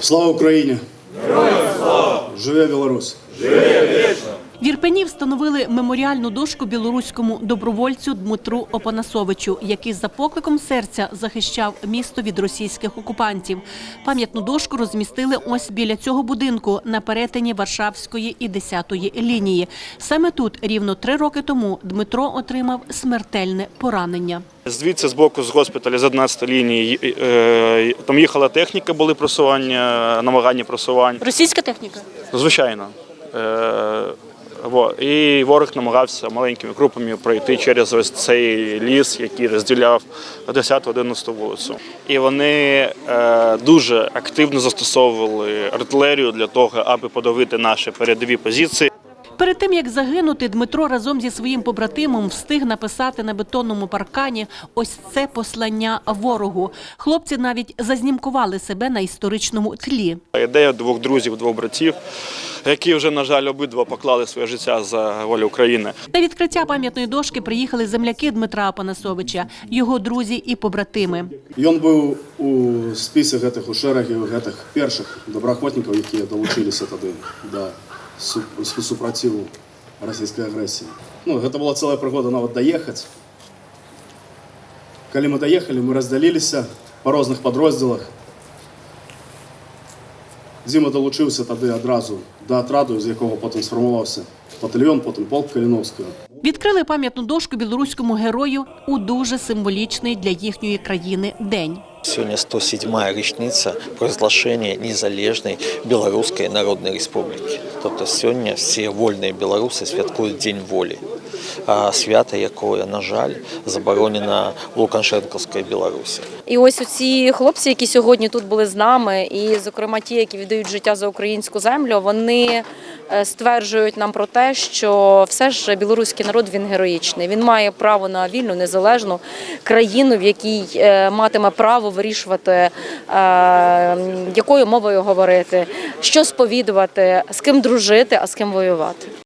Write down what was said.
Слава Україні! Героям слава! Живе Білорусь! Живе вічно! В Ірпені встановили меморіальну дошку білоруському добровольцю Дмитру Опанасовичу, який за покликом серця захищав місто від російських окупантів. Пам'ятну дошку розмістили ось біля цього будинку на перетині Варшавської і 10-ї лінії. Саме тут рівно 3 роки тому Дмитро отримав смертельне поранення. Звідси, з боку, з госпіталю, з 11-ї лінії, там їхала техніка, були просування, намагання просувань. Російська техніка? Звичайно. І ворог намагався маленькими групами пройти через ось цей ліс, який розділяв 10-11 вулицю. І вони дуже активно застосовували артилерію для того, аби подавити наші передові позиції. Перед тим, як загинути, Дмитро разом зі своїм побратимом встиг написати на бетонному паркані ось це послання ворогу. Хлопці навіть зазнімкували себе на історичному тлі. Ідея 2 друзів, 2 братів, які вже, на жаль, обидва поклали своє життя за волю України. На відкриття пам'ятної дошки приїхали земляки Дмитра Опанасовича, його друзі і побратими. Він був у списку у шерегі перших доброохотників, які долучилися тоді до супротиву російської агресії. Це була ціла пригода навіть доїхати. Коли ми доїхали, ми розділилися по різних підрозділах. Діма долучився тоді одразу до отряду, з якого потім сформувався батальйон, потім полк Калиновського. Відкрили пам'ятну дошку білоруському герою у дуже символічний для їхньої країни день. Сегодня 107-я річниця проголошення незалежної Білоруської Народної Республіки. Тобто сьогодні всі вольні білоруси святкують День волі. Свято, яке, на жаль, заборонено в Лукашенківській Білорусі. І ось ці хлопці, які сьогодні тут були з нами, і, зокрема, ті, які віддають життя за українську землю, вони стверджують нам про те, що все ж білоруський народ, він героїчний. Він має право на вільну, незалежну країну, в якій матиме право вирішувати, якою мовою говорити, що сповідувати, з ким дружити, а з ким воювати.